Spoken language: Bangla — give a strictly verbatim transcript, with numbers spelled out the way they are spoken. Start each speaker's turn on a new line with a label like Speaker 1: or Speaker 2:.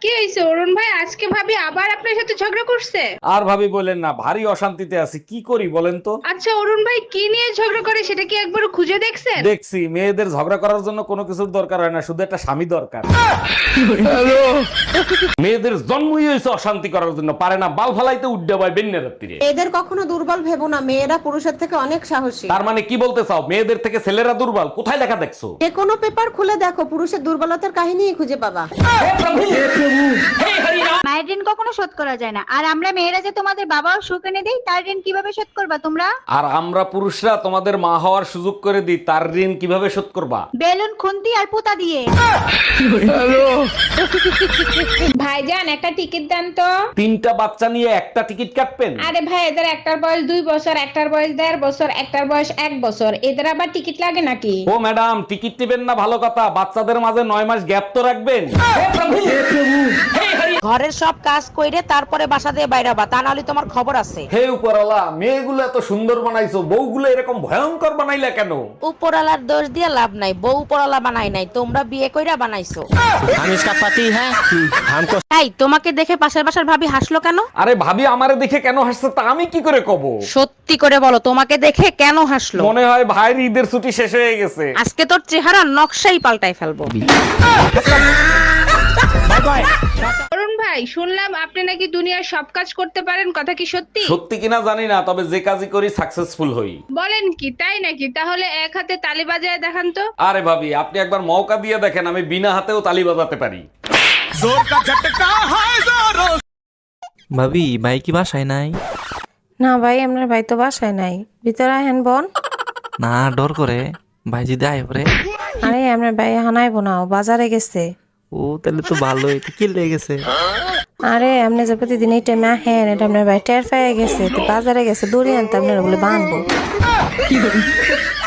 Speaker 1: কি হয়েছে অরুণ ভাই, আজকে ভাবি আবার আপনার সাথে ঝগড়া করছে?
Speaker 2: আর ভাবি বলেন না, ভারী অশান্তিতে আছি, কি করি বলেন তো।
Speaker 1: আচ্ছা অরুণ ভাই, কি নিয়ে ঝগড়া করে সেটা কি একবার খুঁজে দেখছেন?
Speaker 2: দেখছি মেয়েদের ঝগড়া করার জন্য কোনো কিছুর দরকার হয় না, শুধু একটা স্বামী দরকার। মেয়েদের জন্মই হয়েছে অশান্তি করার জন্য, পারে না বাল ফালাইতে উড্ডা পায় বেন্যা রাত্রিরে।
Speaker 3: এদের কখনো দুর্বল ভেবো না, মেয়েরা পুরুষের থেকে অনেক সাহসী।
Speaker 2: তার মানে কি বলতে চাও, মেয়েদের থেকে ছেলেরা দুর্বল? কোথায় লেখা দেখছো?
Speaker 3: যে কোনো পেপার খুলে দেখো, পুরুষের দুর্বলতার কাহিনীই খুঁজে পাবা।
Speaker 4: মায়ের ঋণ কখনো শোধ করা যায় না, আর আমরা মেয়েরা যে তোমাদের বাবাও সুখ এনে দেই, তার ঋণ কিভাবে শোধ করবা তোমরা?
Speaker 2: আর আমরা পুরুষরা তোমাদের মা হওয়ার সুযোগ করে দিই, তার ঋণ কিভাবে শোধ করবা?
Speaker 4: বেলুন খুন্তি আর পুতা দিয়ে।
Speaker 1: ভাইজান একটা টিকিট দেন তো।
Speaker 2: তিনটা বাচ্চা নিয়ে একটা টিকিট কাটবেন?
Speaker 1: আরে ভাই, এদের একটার বয়স দুই বছর, একটার বয়স দেড় বছর, একটার বয়স এক বছর, এদের আবার টিকিট লাগে নাকি?
Speaker 2: ও ম্যাডাম, টিকিট নেবেন না ভালো কথা, বাচ্চাদের মাঝে নয় মাস গ্যাপ তো রাখবেন।
Speaker 5: ঘরের সব কাজ কইরে তারপরে বাসা দিয়ে বাইরাবা, তা নাহলে তোমার খবর আছে।
Speaker 2: হে উপরওয়ালা, মেয়েগুলো এত সুন্দর বানাইছো, বউগুলো এরকম ভয়ঙ্কর বানাইলা কেন?
Speaker 5: উপরালার দোষ দিয়ে লাভ নাই, বউ উপরালা বানাই নাই, তোমরা বিয়ে কইরা বানাইছো।
Speaker 6: हम इसका पति है, हमको
Speaker 5: এই তোমাকে দেখে পাশের বাসার ভাবি হাসলো কেন?
Speaker 2: আরে ভাবি আমারে দেখে কেন হাসছে তা আমি কি করে কব?
Speaker 5: সত্যি করে বলো, তোমাকে দেখে কেন হাসলো?
Speaker 2: মনে হয় ভাইয়ের ঈদের ছুটি শেষ হয়ে গেছে।
Speaker 5: আজকে তোর চেহারা নকশাই পাল্টাই ফেলবো।
Speaker 1: অরুণ ভাই, শুনলাম আপনি নাকি দুনিয়ার সব কাজ করতে পারেন, কথা কি সত্যি?
Speaker 2: সত্যি কিনা জানি না, তবে যে কাজই করি সাকসেসফুল হই।
Speaker 1: বলেন কি, তাই নাকি? তাহলে এক হাতে তালি বাজায় দেখান তো।
Speaker 2: আরে ভাবি, আপনি একবার মৌকা দিয়ে দেখেন, আমি বিনা হাতেও তালি বাজাতে পারি।
Speaker 6: ভাবি ভাই কি বাসায় নাই?
Speaker 7: না ভাই, আপনার ভাই তো বাসায় নাই, ভিতরে আহেন বোন।
Speaker 6: না ডর করে, ভাই যদি আয় পরে।
Speaker 7: আরে আপনার ভাই এখন আইবো না, ও বাজারে গেছে।
Speaker 6: ও তাহলে তো ভালোই, তো কি লেগে গেছে?
Speaker 7: আরে আপনি যে প্রতিদিন এই টাইমে আহেন, এটা আপনার ভাই টের পেয়ে গেছে, তো বাজারে গেছে, দড়ি আনতে আপনার বলে বানবো।